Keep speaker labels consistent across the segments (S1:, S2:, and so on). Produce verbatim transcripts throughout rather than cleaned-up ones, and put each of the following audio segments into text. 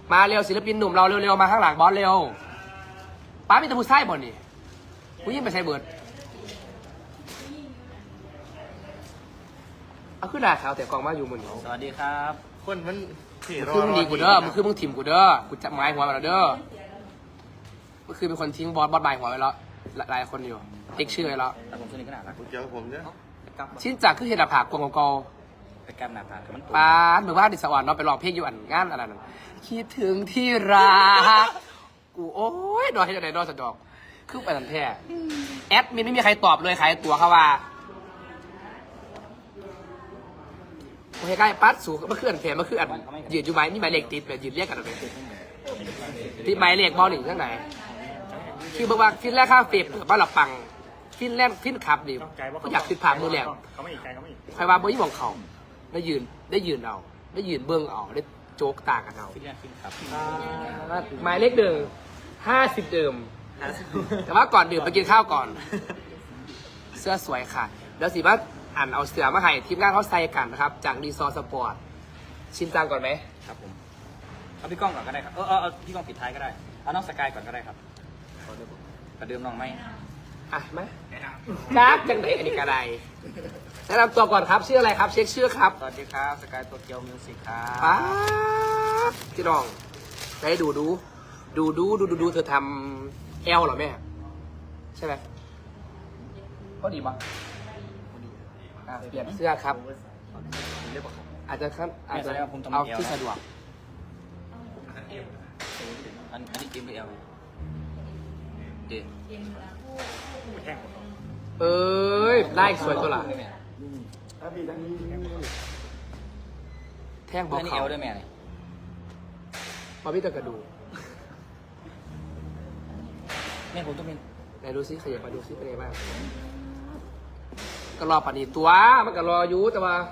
S1: มาเร็วศิลปินหนุ่มเราเร็วๆมาข้างหลังบอสเร็วป้ามีตะพูไส้บ่นี่ผู้ยิ่งไปใช้เบิร์ดเอาขึ้นหน้าขาวแต่กองมาอยู่มึง
S2: สวัสดีครับคนมัน
S1: มึงคือมึงดีกูเด้อมึงคือมึงถิ่มกูเด้อกูจับไม้หัวมาแล้วเด้อเมื่อคืนเป็นคนทิ้งบอสบอสใบหัวไว้แล้วหลายคนอยู่ติ๊กชื่อไว้แล้ว
S2: แต่ผมช่วงนี้ก็หนาละ
S3: เจอผมเนี่ย
S1: ชิ้นจากคือเห็ดผากกวงกอ
S2: ไปแกมหนาผากมัน
S1: ป้าหรือว่าดิสวรรค์เนาะไปร้องเพลงอยู่อันงานอะไรนั่นคิดถึงที่รักกูโอ้ยดอยให้ไหนดอยสะดอกคือไปทันแท้แอดมินไม่มีใครตอบเลยขายตัวเขาว่าโอเคใกล้ปัดสูงเมื่อคืนแผลเมื่อคืนอันยืดอยู่ไหมนี่หมายเลขติดแบบยืดเรียกกันอะไรติดหมายเลขบอลหนึ่งทั้งไหนคือบอกว่าฟินแรกข้าวเฟบบ้านหลับปังฟินแรกฟินขับดิก็อยากฟินผ่านมือแหลม
S4: เขาไม่อีกใจเขาไม่อีก
S1: ใครว่าบ่ยี่มองเขาได้ยืนได้ยืนเอาได้ยืนเบื้องเอาได้โจกตากันเอา
S2: ฟินแลนด์ฟินครับ
S1: หมายเลขหนึ่งห้าสิบดื่มแต่ว่าก่อนดื่มไปกินข้าวก่อน เสื้อสวยค่ะเดี๋ยวสิว่าอ่านเอาเสื้อมาให้ทีมงานเขาใส่กันนะครับจากดีซอสปอร์ตชินจังก่อนไหม
S2: ครับผมเอาพี่ก้องก่อนก็ได้ครับเออเอาเอาพี่ก้องปิดท้ายก็ได้เอาน้องสกายก่อนก็ได้ครับกระเดิมน้องไหม
S1: อ่ะมาครับจังไหนอันนี้กระไดแนะนำตัวก่อนครับชื่ออะไรครับเช็คชื่อครับ
S2: สวัสดีครับสกายตัวเกียวมิวสิกครับ
S1: ป๊าบพี่น้องให้ดูดูดูดูดูดูดูเธอทำแอลเหรอแม่ใช่ไหมก็ดีปะอ่ะเปลี่ยนเสื้อครับ อาจจะขั้นอาจจะเอาที่สะดวก
S2: อันอันนี้เอ็มเอลเด็ด
S1: เอ้ยไล่สวยตัวละแท่งบอ
S2: อั
S1: ก
S2: นนี้
S1: เขา
S2: เอลด้วยแม่เนี่ย
S1: บอพี่ตะกระดู
S2: แม่ผมต้องเป็น
S1: ไหนดูซิขยับมาดูซิเป็นไงบ้างก็รอปานนีตัวมันก็รออยู่แต่ว่า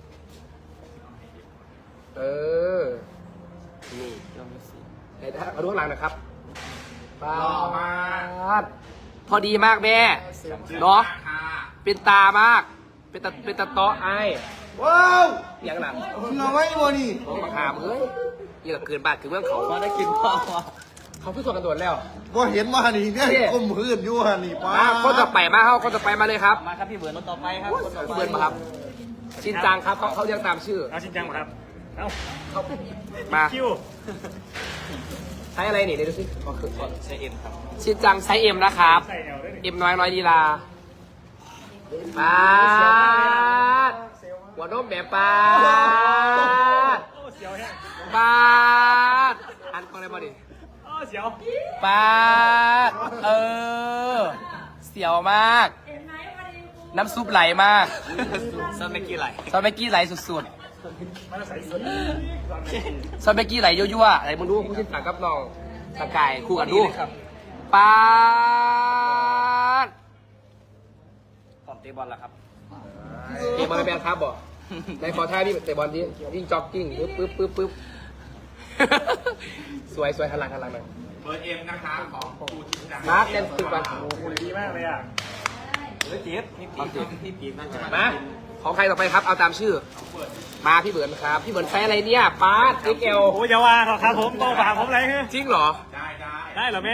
S1: เออนี่
S2: เกียวมิวสิก
S1: ไหนเอาดูข้างหลังหนะครับป้าดพอดีมากแม่เนาะเป็นตามาก เป็นตาเป็นตาโต๊ะไอ้
S3: ว้าว
S1: อย่างหลัง
S3: เราไม่โมนี่
S1: โอ้มาหามเอ้ยยี่เกินบาทคือเรื่องเขา
S2: มาได้กินข้าว
S1: เขาพิสูจน์กันตัวแล้ว
S3: ว่าเห็นว่านี่เนี่ยก้มพื้นอยู่ฮะนี่ป้า
S1: มาคนต่อไปมาเขาคนต่อไปมาเลยครับ
S2: มาครับพี่เบิร์นคนต่อไปครับคนต่อไป
S1: พี่เบิร์นมาครับ ชินจังครับเขาเขาเรียกตามชื่อ
S4: เอาจริงจังครับ เอ้า
S1: เขามา
S4: คิว
S1: ใช้อะไรนี่เดี๋ยวดูสิขอคือ
S2: ใช่เอ็มครับ
S1: ชินจังไซส์เอ็มนะครับ
S4: ใส่แอลด้วยนี่
S1: เอ็มน้อยน้อยดีลาปาดหัวนมแบบปาด
S4: โอ้เสียวแห้ง
S1: ปาดอันของอะไรบ้างดิ
S4: โอ้เสียว
S1: ปาดเออ เสียวมาก น้ำซุปไหลมาก
S2: ซันเมกี้ไหล
S1: ซอสเบกกี้ไหลสุด
S4: มันใส่สุด
S1: ๆซอสเบกกี้ไหลยั่วๆอะไรมึงดูผู้ชินต่างกับน้องสกายคู่กันดู
S2: ครับ
S1: ปาด
S2: พร้อมเตะบอลแล้วครับ
S1: เอ็มมาเป็นครับบอกในขอท่าพี่เตะบอลที่วิ่งจ็อกกิ้งปึ๊บปึ๊บปึ๊บปึ๊บสวยสวยหันหลังหันหลังหน่อย
S3: เบอร์เอ็มนะคะของปูชินจัง
S1: มาร์คเล่นตึกวัน
S4: โอ้โหดีมากเลยอ่ะ
S2: เฮ้ยจี๊ดนี่ปี๊ดนี่ปี๊ดนั่นใช่ไหม
S1: มาของใครต่อไปครับเอาตามชื่อ มาพี่เบิร์นครับพี่เบิร์นใช้อะไรเนี่ยปาดเอ็กเอล
S4: โอ้ยาวาครับครับผมโตฝากผมอะไรฮะ
S1: จริงเหรอ
S3: ได้ได้
S4: ได้เหรอแม่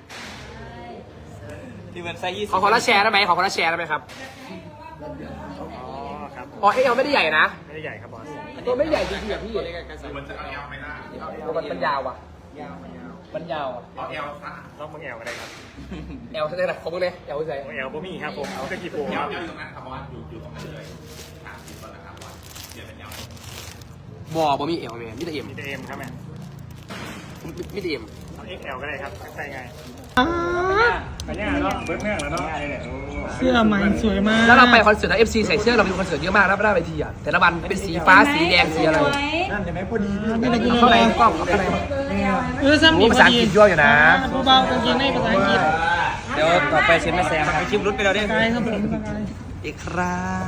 S2: พี่เบิร์นไซส์ยี่สิบ
S1: ขอคนละแชร์ได้ไหมขอคนละแชร์ได้ไหมครับ
S4: อ๋อครับ
S1: อ๋อเอ็กเอลไม่ได้ใหญ่นะ
S4: ไม่ได้ใหญ่ครับบอส
S1: ตัวไม่ใหญ่จริงๆอะพี่
S3: มันจะเอาเอลไหมล่ะ
S1: ตัวมันยาวอ่ะมันยาวอ่ะ
S3: เอาเอลซะ
S4: ต้องมึงแอลก็ได้ครับ
S1: เอลใช่ไหมของมึงเลยเอลใช่
S4: มึงแอลบ่มีครับผมเอาแค่กี่โปร
S3: เอ
S4: ค
S3: ล
S4: รับ
S3: เอลอยู่ตรงนั้นครับบอลอยู่อยู่ตรงนั้นเลยสามสิบคนนะครับบอลเดี๋ยวเป็นเอล
S1: บอบ่มีเอลเลยมิเตอร์เอ็ม
S4: มีแต่เอ็มครับแม่
S1: มิเตอร์เอ็ม
S4: เอาเอ็กแอลก็ได้ครับใส่ไงไปเนี่ยเนาะเบิร์ดแม่แล้วเนาะ
S5: เสื้อใหม่สวยมาก
S1: แล้วเราไปคอนเสิร์ตนะเอฟซีใส่เสื้อเราไปคอนเสิร์ตเยอะมากนะไม่ได้ไปทีอ่ะแต่ละวันเป็นสีฟ้าสีแดงสีอะไร
S3: นั่นเห็นไหมพอดี
S5: ไม่ได้กิน
S1: เข้า
S5: เล
S1: ไป
S5: ย
S1: กล้องเข้าไป
S5: เออซ้ำดี
S1: ภาษาอังกฤษยั่วอยู่นะ
S5: เบาๆกางเกงในภาษาอังกฤษ
S2: เดี๋ยวต่อไปเซ็นแม่แซมครับคลิปรุดไปแล้วเนี่ย
S5: กายครับผมกาย
S2: อีกครั้ง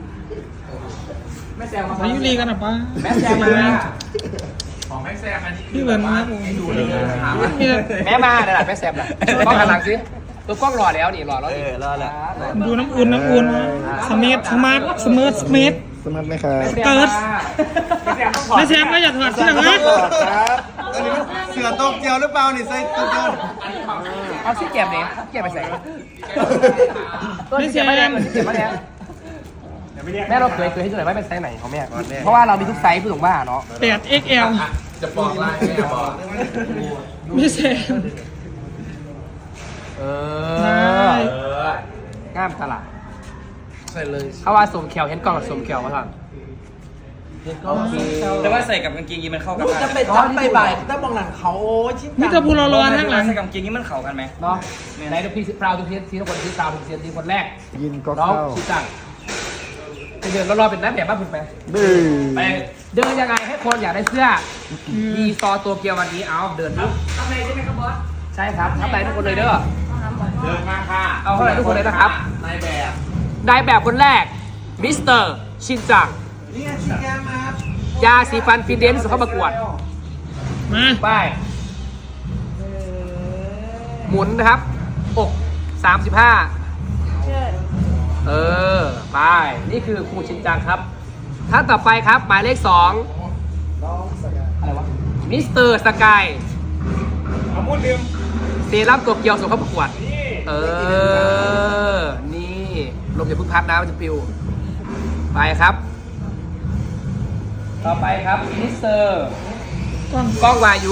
S1: แม่แซมมา
S5: มายุรีกันนะป้า
S1: แม่แซมมา
S3: ของแม็กแซมอันนี้
S5: พี่เหมือนครับผม
S3: ดูเลย
S5: มีแต่
S1: แม่มาเนี่ยแหละแม่แซมแหละกล้องหันหลังสิตัวกล้องรอแล้วนี่รอแล้ว
S2: เอ
S1: นี่
S2: อรอดแล้ว
S5: ดูน้ำอุ่นน้ำอุ่นสมิธสมาร์ทสมิธสมิธ
S3: สมัครไหมครับ
S5: เกิร์ด
S1: แม่แซมต้องถอด
S5: แม่แซมก็อย่าถอดเสื้อครับ
S3: ครับ
S5: เ
S6: อันนี้เสือโตเกียวหรือเปล่านี่ใส่โตเกียว
S1: เอาซี่แกมเนี่ยแกมไปใส่ตัวซี่แกมไม่แดงซี่แกมไม่แดงแม่เราเคยเคยให้ดูหน่อยว่าเป็นไซส์ไหนของแม่เพราะว่าเรามีทุกไซส์พูดถึงว่าเนาะ
S5: แปดเอ็กซ์แอล
S3: จะบอกไล่ไม่บอก
S5: ไม่ใช่
S1: เอ
S5: ได้
S1: อ ง่ามตลาด
S6: ใส่เลย
S1: เขาว่าสมแขวเห็นกล้องกับสมแขวมาทำ
S2: แต่ว่าใส่กับกางเกงยีนมันเข้ากัน
S7: จะไปจับไปบ่ายถ้ามองหลังเขาชิ้น
S5: มิตรภูรร้อนข้างหลัง
S2: ใส่กับกางเกงยีนมันเข้ากันไหม
S1: เนาะไหนทุกพี่พราวทุกทีทุกคนที่พราวทุกทีทีคนแรก
S6: ยินก็
S1: น้อง
S6: เข้า
S1: ชิจังจะเดินรอบๆเป็นนักแบบบ้านคุณไป
S6: ดื้อ
S1: ไปเดินยังไงให้คนอยากได้เสื้อดีซอตัวเกียววันนี้เอาเดินครับทำไรใช่ไหมครับบอสใช่ครับทำไรทุกคนเลยเด้อ
S3: เดินมาค่ะ
S1: เอาเท่าไหร่ทุกคนเลยนะครับ
S3: นายแบบ
S1: นายแบบคนแรกมิสเตอร์ชินจัง
S7: นี่ไงชิ้นยามา
S1: ยาสีฟันฟินเดนส์เข้าประกวด
S5: มา
S1: ไปหมุนนะครับอกสามสิบห้าเออไปนี่คือครูชินจังครับท่านต่อไปครับหมายเลขสองอะไรวะมิสเตอร์สกาย
S4: เอามุดลืม
S1: เซรั่มตัวเกียวส่งเข้าประกวด เออ นี่ลมอย่าเพึ่งพัดนะมันจะปลิว ไปครับ ต่อไปครับมิสเตอร์
S5: กล้อง
S1: กล้องวายุ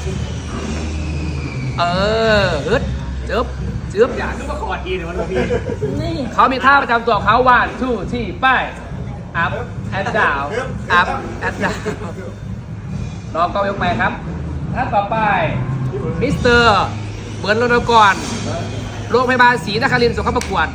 S1: เออฮึดจึ๊บจึ๊บอย่า
S4: ก็ขอดีเดี๋ยวมันพี่
S1: เขามีท่าประจำตัวของเขาวันทูที่ป้ายอัพแอนด์ดาวอัพแอนด์ดาวน้องก็ยกไปครับท่านต่อไปมิสเตอร์เหมือนรณกรโรงพยาบาลศรีนครินทร์ส่งเข้าประกวด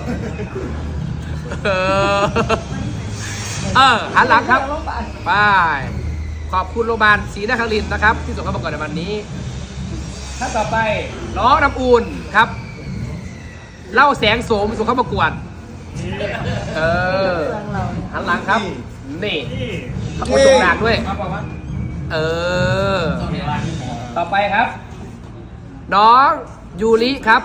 S1: เออเออหันหลังครับไปขอบคุณโรงพยาบาลศรีนครินทร์นะครับ ที่ส่งเข้าประกวดในวันนี้ท่านต่อไปน้องน้ำอุ่นครับเล่าแสงโสมส่งเข้าประกวดเออหันหลังครับนี่ขอบคุณตรงหนักด้วยเออต่อไปครับ น้องยูริครับ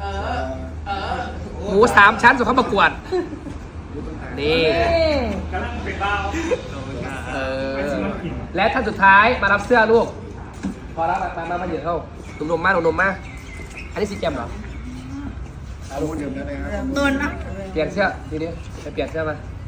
S1: หมูสามชั้นส่งเข้าประกวดนี่
S4: กำลังเป็นเบ้า
S1: เออและท่านสุดท้ายมารับเสื้อลูกพอรับมามามามาเดี๋ยวเข้าหนุ่มๆมาหนุ่มๆมาอันนี้สีแกมเหรอ
S6: เอาเดิมได้เลยครับ
S7: ตัวนะ
S1: เปลี่ยนเสื้อทีนี้ไปเปลี่ยนเสื้อมา